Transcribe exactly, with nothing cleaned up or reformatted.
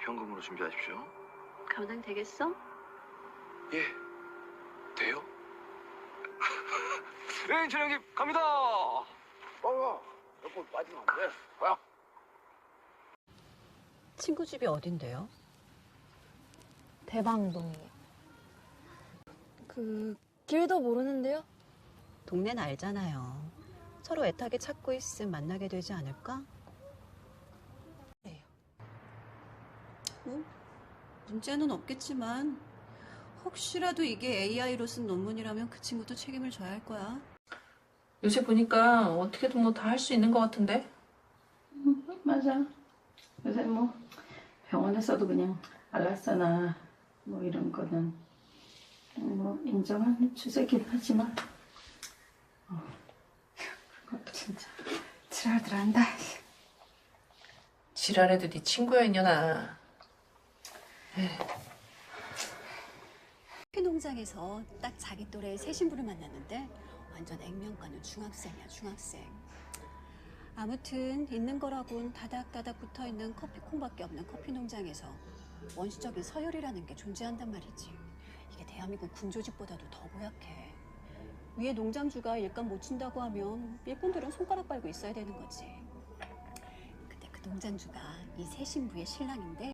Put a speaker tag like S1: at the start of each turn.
S1: 현금으로 준비하십시오.
S2: 감당되겠어?
S1: 예, 돼요? 예, 준영님 갑니다.
S3: 어, 몇번 빠지면 안 돼. 가.
S2: 친구 집이 어딘데요?
S4: 대방동이요. 그 길도 모르는데요?
S2: 동네는 알잖아요. 서로 애타게 찾고 있음 만나게 되지 않을까? 네. 뭐 문제는 없겠지만 혹시라도 이게 에이아이로 쓴 논문이라면 그 친구도 책임을 져야 할 거야.
S5: 요새 보니까 어떻게든 뭐 다 할 수 있는 것 같은데?
S6: 응, 맞아. 요새 뭐 병원에서도 그냥 알라사나 뭐 이런 거는 뭐 인정하는 추세긴 하지만 어, 그것도 진짜 지랄들 한다.
S5: 지랄해도 네 친구야 이년아.
S2: 커피 농장에서 딱 자기 또래의 새 신부를 만났는데 완전 액면가는 중학생이야, 중학생. 아무튼 있는 거라곤 다닥다닥 붙어있는 커피콩밖에 없는 커피 농장에서 원시적인 서열이라는 게 존재한단 말이지. 이게 대한민국 군조직보다도 더 고약해. 위에 농장주가 일감 못 친다고 하면 일꾼들은 손가락 빨고 있어야 되는 거지. 근데 그 농장주가 이 새 신부의 신랑인데